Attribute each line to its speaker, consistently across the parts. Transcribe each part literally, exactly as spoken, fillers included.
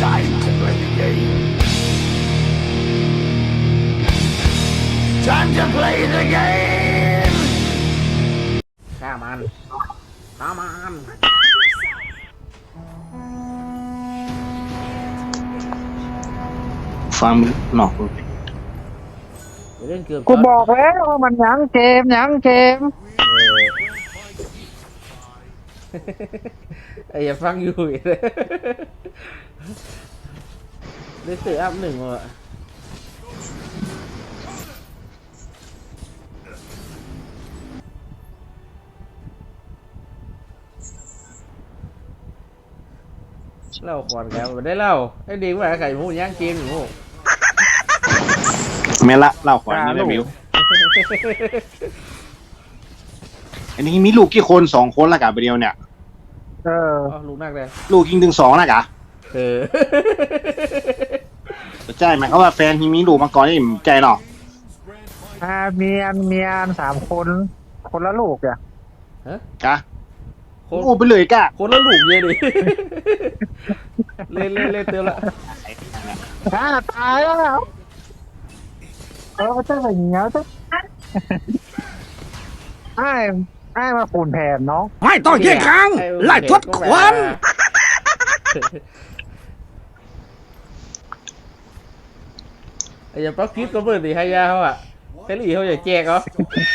Speaker 1: Time to play the game. Time to play the game.
Speaker 2: ฆ่ามันฆ่ามัน
Speaker 3: ฟังหนอก
Speaker 2: เดี๋ยวเล่นเกือบ
Speaker 4: กูบอกแล้วว่ามันยังเกมยังเกม
Speaker 2: เออไอ้อย่าฟังอยู่อีกเลยได้เสืออัพหนึ่งว่ะเล่าก่อนแกมันได้เล่าไอ้ดีกว่าไข่หมูย่างเกมหมู
Speaker 3: แม่ละเล่าขวานนี่แม่บิวอันนี้มีลูกกี่คนสองคนละกะไปเดียวเนี่ย
Speaker 4: เออ
Speaker 2: อ๋อลูกนักเลย
Speaker 3: ลูกยิงถึงสองละกะ
Speaker 2: เออ
Speaker 3: ใช่ไหมเขาว่าแฟนที่มีลูกมาก่อนนี่ใจเนาะ
Speaker 4: อ่าเมียนเมียนสามคนคนละลูกอ่ะ
Speaker 3: กะ
Speaker 2: คน
Speaker 3: อู้ไปเลยกะ
Speaker 2: คนละลูกเยอะดิ เล่นเล่นเล่นเตือนละ
Speaker 4: อ่าตายแล้วเออเจ้าแบบนี้เจ้าไอ้ไอ้มาปูนแผ่นน้อง
Speaker 1: ไม่ต้องแยกครั้งไล่ทดควัน
Speaker 2: ไอ้อย่าปักคลิปก็เปิดดิให้ยาเขาอ่ะเทลี่เขาอย่าแจกเหรอ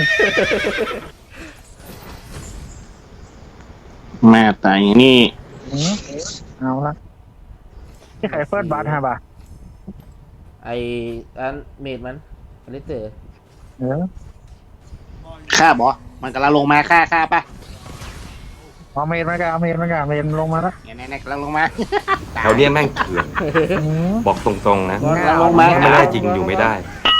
Speaker 3: แม่แต่อย่างนี้
Speaker 4: อืมเอาละที่ใครเฟิร์สบัตฮะบ่ะ
Speaker 2: ไออันเมดมันอันนี้เต๋อ
Speaker 4: เออ
Speaker 3: ฆ่าบอมันกำลังลงมาฆ่าฆ่าปะ
Speaker 4: เอาเมนมากันเอาเมนมากันเมนลงมาแล้ว
Speaker 3: เนี่ยเนี่ยกำลังลงมา
Speaker 5: แถวเนี้ยแม่งเถื่อน
Speaker 4: อืม
Speaker 5: บอกตรงๆนะ
Speaker 3: กำลังลงมา
Speaker 5: ถ้าไม่ได้จริงอยู่ไม่ได้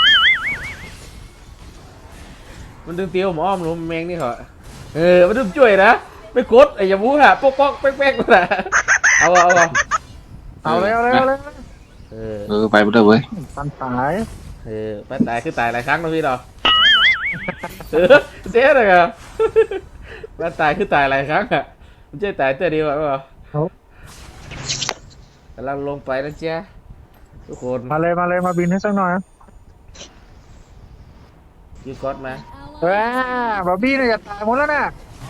Speaker 2: มันดึงเตียวหมออ้อมลงแมงนี่เหรอเออมันดึงช่วยนะไม่กดไอ้อย่ามูฮะป๊อกป๊อกแป๊กแป๊กนะเอาเอาเอา
Speaker 4: เอาเร็วเร็วเร็ว
Speaker 2: เออ
Speaker 3: เออไปไปเลยเว้ย
Speaker 4: ตันตาย
Speaker 2: เออไปตายคือตายหลายครั้งนะพี่ดอกเออเจ๊เลยอ่ะไปตายคือตายหลายครั้งอ่ะมันเจ๊ตายแต่เดียวอ่ะเปล่ากำลังลงไปนะเจ๊ทุกคน
Speaker 4: มาเลยมาเลยมาบินให้สักหน่อย
Speaker 2: ยูก๊อตมา
Speaker 4: ว้าบอบบี้เนี่ยจะตายหมดแล้วนะ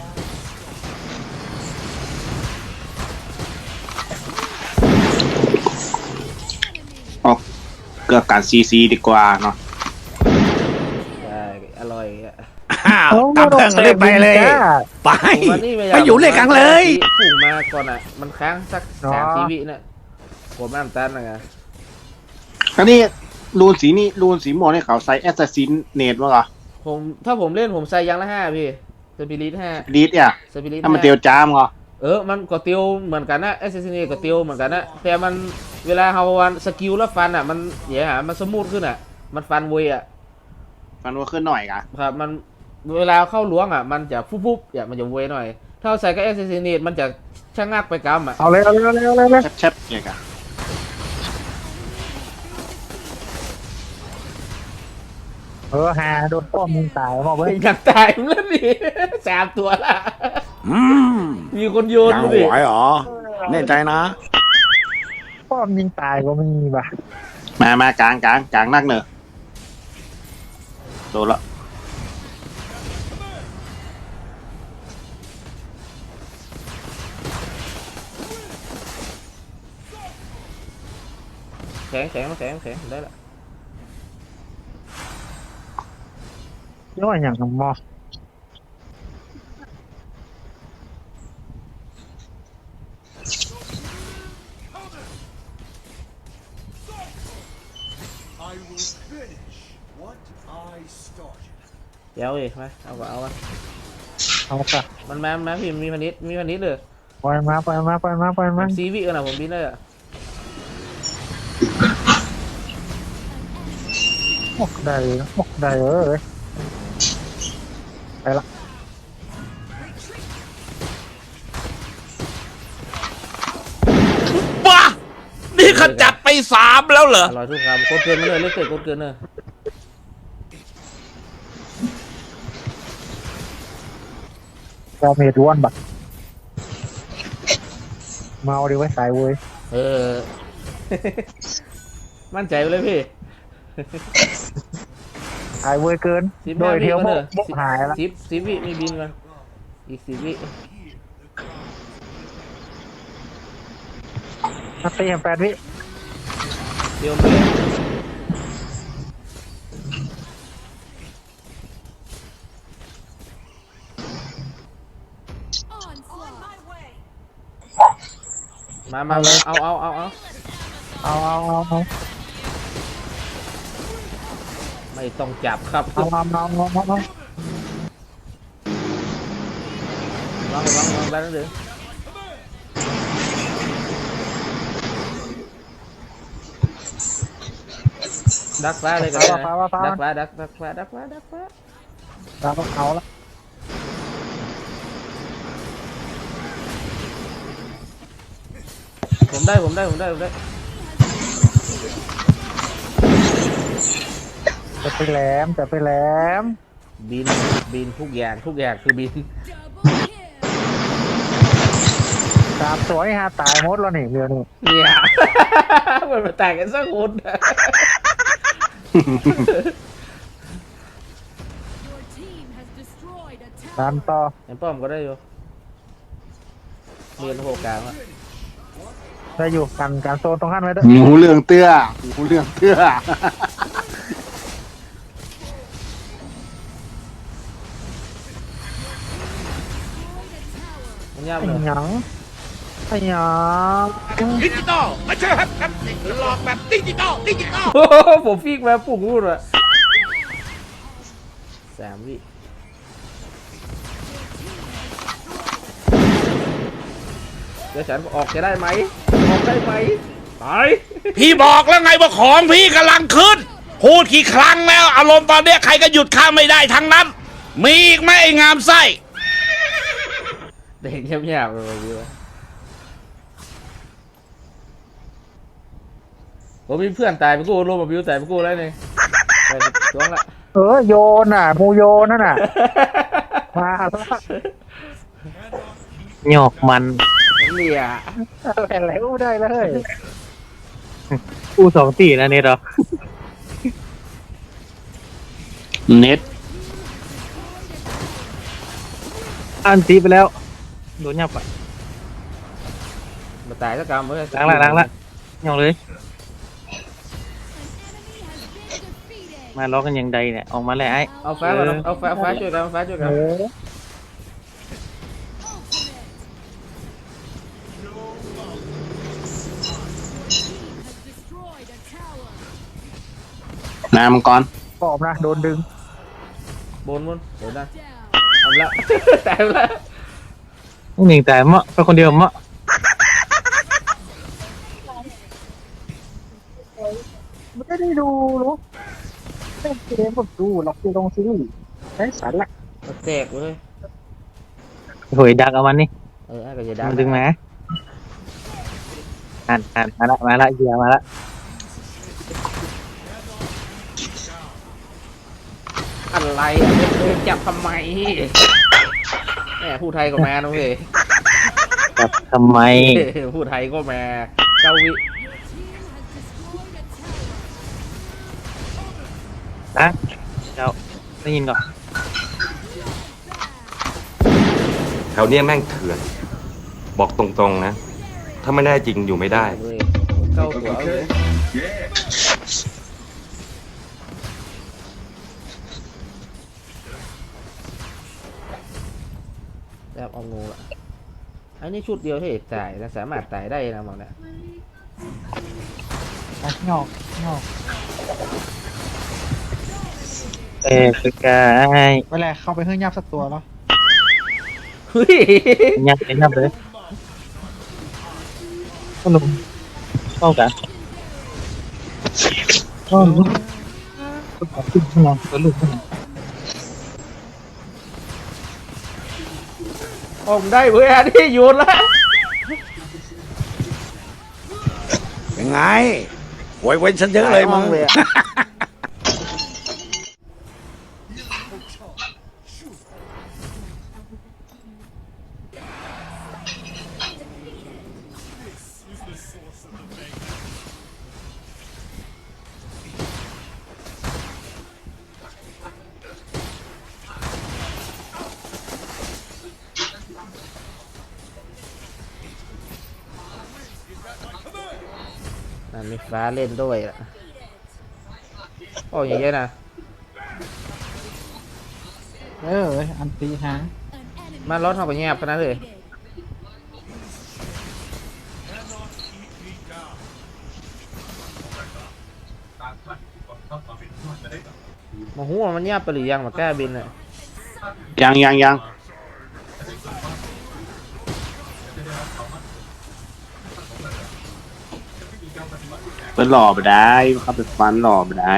Speaker 3: ออกเกือบการซีซีดีกว่าเนาะ
Speaker 2: ได้อร่อยอ่ะ
Speaker 1: อ้าวตามเพื่อนเลยไปเลย ไป
Speaker 2: ผมว่านี่ไม่
Speaker 1: ไปอยู่เลยกังเลย
Speaker 2: ฝูงมาก่อนอ่ะมันค้างสักสามชีวิตน่ะผมน้ำตาลนะไง
Speaker 3: อันนี้รูนสีนี่รูนสีม่วงนี่เขาใส่แอสซัสซินเนตมั้งเหรอ
Speaker 2: ผมถ้าผมเล่นผมใส่ยังละห้าพี่สปิริตห้า
Speaker 3: ดีดเนี่ย
Speaker 2: สปิริต
Speaker 3: ถ้ามันเตียวจามเหรอ
Speaker 2: เออมันก็เตียวเหมือนกันนะเอสเซนเนก็เตียวเหมือนกันนะแต่มันเวลาเฮาวันสกิลแล้วฟันอ่ะมันเดี๋ยวหามันสมูทขึ้นอ่ะมันฟันเวยอ่ะ
Speaker 3: มันว่าขึ้นหน่อยกะ
Speaker 2: ครับมันเวลาเข้าล้วงอ่ะมันจะฟุบฟุบอย่างมันจะเวยหน่อยถ้าเอาใส่กับเอสเซนเนมันจะชะงักไปกำอ่ะ
Speaker 4: เอาเลยเอาเลยเอาเลยเอาเลย
Speaker 3: แชบๆเนี่ยกะ
Speaker 4: เออหาโดนป้อมยิงตายบอกเว้ย
Speaker 2: อยากตายมันแล้วดิสามตัวละ
Speaker 1: อืม
Speaker 2: มีคนโยน
Speaker 1: ยัง
Speaker 2: ดู
Speaker 1: ไห
Speaker 2: ดิ
Speaker 1: วเหรอแน่ใจนะ
Speaker 4: ป้อมยิงตายก็มีป่ะ
Speaker 3: มามากลางกลางกลางนักเนอะโดนละ
Speaker 2: แข็งแข็งแข็งแข็งได้ละ
Speaker 4: ย้อนอย่างกับมอ
Speaker 2: เดี๋ยวอีกมาเอาก็เอาวะ
Speaker 4: เอาค่ะ
Speaker 2: มันมามันมาพี่มีพันนิดมีพันนิดเลย
Speaker 4: ปล่อยมาปล่อยมาปล่อยมาปล่อยมา
Speaker 2: ซีวิกันนะผมบินได้อะ
Speaker 4: โอ้ได้โอ้ได้เออไปละ
Speaker 1: บ้า นี่ขจัดไปสามแล้วเหรอ
Speaker 2: อร่อยทุกคำกดเกินมาเลยเล็กเกินกดเกินเนอะ
Speaker 4: ดาเมจวนบัตเมาดีไว้สายเว้ย
Speaker 2: เออมั่นใจไปเลยพี่
Speaker 4: หายเวยเกิน
Speaker 2: สิบ
Speaker 4: โด
Speaker 2: ห้าย วิ
Speaker 4: เทียว
Speaker 2: ก่อน
Speaker 4: โม
Speaker 2: เถ
Speaker 4: ก
Speaker 2: อะ
Speaker 4: โมกหายละ
Speaker 2: สิบสิบวิมีบินก่อนอีกสิบวิ
Speaker 4: มาตีแปดวิ
Speaker 2: เดี๋ยวมาเลย มามามาเอาเอาเอาเอา
Speaker 4: เอาเอาเอาเอา
Speaker 2: ไม่ต้องจับครับ
Speaker 4: เอาเอาเอาเอาเอาเอา
Speaker 2: ลองลองลองแล้วนึงดักฟ้าเลยกันเลยนะดักฟ้าดักดักฟ้าดักฟ้าดักฟ้า
Speaker 4: เราก็เอาละ
Speaker 2: ผมได้ผมได้ผมได้ผมได้
Speaker 4: จะไปแหลมจะไปแหลม
Speaker 2: บินบินทุกอย่างทุกอย่างคือบิน
Speaker 4: สามตัวนี่ฮะตายหมดแล้วนี่เรือนี่
Speaker 2: เนี่ย มันมาแต่งกันสักคน
Speaker 4: ตามต่อ
Speaker 2: เห็นป้อมก็ได้อยู่เรียนโหกลางอ่ะ
Speaker 4: ได้อยู่กันการโซนตรงขั้นไว้ด้วย
Speaker 3: หมูเรื่องเตื้อหมูเรื่องเตื้อ
Speaker 2: มันยาก
Speaker 4: ไอ้
Speaker 2: เลย
Speaker 4: หยังไอ้หยัง
Speaker 1: ดิจิตอลมาเชื่อครับครับหลอกแบบดิจิตอลดิจิตอล
Speaker 2: โอ้โหผมฟิกมาปุ่งพูดว่ะสามวิเดี๋ยวฉันออกจะได้ไหมออกได้ไหมตาย
Speaker 1: พี่บอกแล้วไงว่าของพี่กำลังขึ้น พูดกี่ครั้งแล้วอารมณ์ตอนเนี้ยใครก็หยุดข้าไม่ได้ทั้งนั้น มีอีกไหมไอ้งามไส้
Speaker 2: เด็กเงียบๆเลยพี่วะผมมีเพื่อนตายไปกู้รวมกับพิวตายไปกู้แล้วนี่ไปจ้วงละ
Speaker 4: เออโยนน่ะมูโยนนั่นน่ะมาซะ
Speaker 6: หยอกมัน
Speaker 2: เนี่ย
Speaker 4: อะไรแล้วได้เลย
Speaker 6: กูสองตีนะเน็ตเหรอ
Speaker 3: เน็ต
Speaker 6: อันตีไปแล้ว โดนยับอ่ะ
Speaker 2: มาตายสักกรรมเลย
Speaker 6: ล้างละล้างละหยอกเลย มาล้อกันยังใดเนี่ย ออกมาเลยไอ้
Speaker 2: เอาฟ้าก่อนเอาฟ้าฟ้าช่วยกันฟ้าช่วยกัน
Speaker 4: เออ
Speaker 3: นามังกร
Speaker 4: ปอบนะโดนดึง
Speaker 2: บนบนเดี๋ยวนะเอาละ ตายละ
Speaker 6: หนึ่งแต่เมาะไปคนเดียวเมาะ
Speaker 4: ไม่ได้ดูหรอกเล่นเกมผมดูหรอกอยู่ตรงซีรีส์ไอ้สารละ
Speaker 2: แตกเลย
Speaker 6: โหยดักเอามันนี่
Speaker 2: เออไอ้ก็จะดั
Speaker 6: มันดึงมาอ่านอ่านมาละมาละเหี้ยมาละ
Speaker 2: อะไรอ่ะเดินจับทำไมแหมผู้ไทยก็มาน้องเว้ย
Speaker 6: จับทำไม
Speaker 2: ผู้ไทยก็มาเก้าวิ
Speaker 6: นะเจ้าได้ยินก่อน
Speaker 5: แถวเนี้ยแม่งเถื่อน บอกตรงๆนะ ถ้าไม่ได้จริงอยู่ไม่ได้
Speaker 2: เว้ยเก้าตัวเอาเลยแบบเอางูละอันนี้ชุดเดียวที่ตายนะสามารถตายได้นะบอกนะ
Speaker 4: อ่ะงอกงอก
Speaker 6: เออคือกาย
Speaker 4: เวลาเข้าไปเฮื่องยับสักตัวแล้ว
Speaker 2: เฮ้ย
Speaker 6: ยับเลยยับเลยก็ลงเข้ากันก็ลุกก็ขอบคุณข้างหลังก็ลุกข้างหลัง
Speaker 2: ผมได้เว้ยอันนี้โยนละ
Speaker 1: ยังไงไว้ไว้ฉันเยอะเลยมึง
Speaker 2: เลยอะมีฟ้าเล่นด้วยอ่ะโอ้ยเยอะนะ
Speaker 6: เอออันตีหาง
Speaker 2: มารถเขาไปแยบขนาดนั้นเลยมาหัวมันแยบไปหรือยังมาแก้บินอ่ะ
Speaker 3: ยังยังยังเป็นหล่อไปได้เขาเป็นฟันหล่อไปได้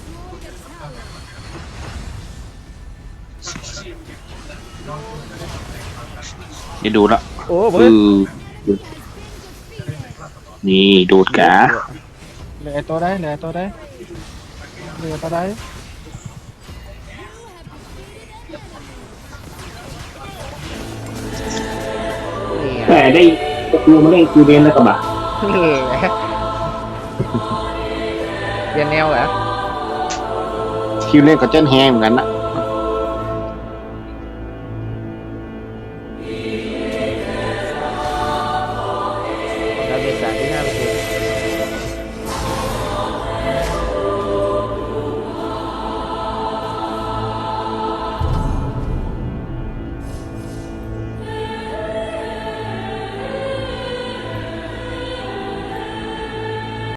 Speaker 3: จะดูละ
Speaker 2: โอ้
Speaker 3: อื
Speaker 2: เพื่อน
Speaker 3: อนี่ดูดกะ
Speaker 6: เหลือตัวได้เหลือตัวได้เหลือตัวได้
Speaker 2: นี่ไง
Speaker 3: แต่ได้ดูมาเล่นกูเรียนแล้วก็บ่า
Speaker 2: นี่ไงเปลี่ยนแนวเหรอ
Speaker 3: คิวเล่นกับเจ้นแฮงเหมือนกันนะ